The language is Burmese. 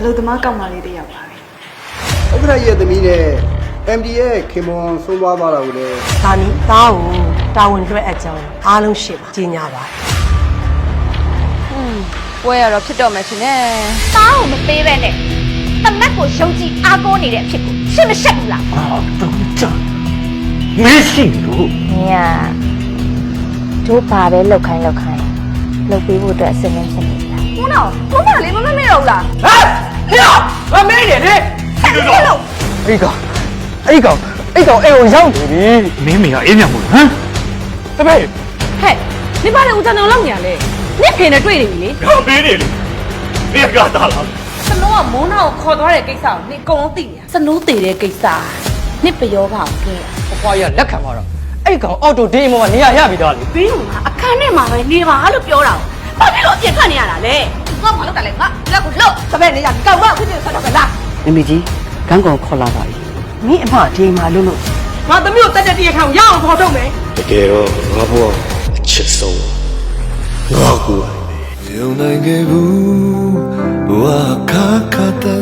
လို့သမားကောက်မလေးတယောက်ပါပဲဥက္ကဋ္ဌရဲ့သမီးနဲ့ MD ရဲ့ခင်မွန်ဆုံးသွားတာကိုလည်းဒါနီသားကိုတာဝန်လွှဲအပ်ကြောင်းအားလုံးရှေ့မှာကြီးညာပါပွဲရတော့ဖြစ်တော့မယ်ရှင်နဲ့သားကိုမပေးပဲနဲ့တမက်ကိုယုံကြည်အားကိုးနေတဲ့အဖြစ်ကိုရှင်းမရှက်ဘူးလားမရှိဘူး။ညတို့ဘာပဲလောက်ခိုင်းလုပ်ပေးဖို့အတွက်အစင်းနဲ့ဖြစ်နေကြ။ခုနောက်ဘုမလေးမမမေ့တော့ဘူးလားဟဲ့ဟေ့မမေးနေလေဆက်လို့လို့အဲ့ကောင်အိမ်ကိုရောက်နေပြီမင်းမေကအေးမြတ်မို့ဟမ်တပည့်ဟဲ့ဒီပါလေဦးဇံတော်လောက်ညာလေနင့်ဖေနဲ့တွေ့နေပြီလေဟောပေးနေလေမင်းကတားလားစနိုးကမိုးနာကိုခေါ်သွားတဲ့ကိစ္စကိုနင့်အကုန်လုံးသိနေတာစနိုးတည်တဲ့ကိစ္စနင့်ပယောပါအောင်ကဲအဖွားရလက်ခံသွားတော့အဲ့ကောင်အော်တိုဒီအိမ်မှာနေရပြီသားလေဘင်းကအခန်းထဲမှာပဲနေပါလို့ပြောတာဘာဖြစ်လို့အပြစ်ခတ်နေရတာလဲငါဘာလို့တလဲငါလက်ကိုလှုပ်တပည့်နေရကောက်မဖြစ်ဖြစ်ဆက်တော့ပဲလားမမေကြီးကန်းကောင်ခေါ်လာပါပြီမင်းအမဒီမှာလို့ငါသမီးကိုတက်တဲ့တရားခံရအောင်ခေါ်ထုတ်မယ်တကယ်တော့ငါဘဝအချစ်ဆုံးငါကူ有那个不，我卡卡的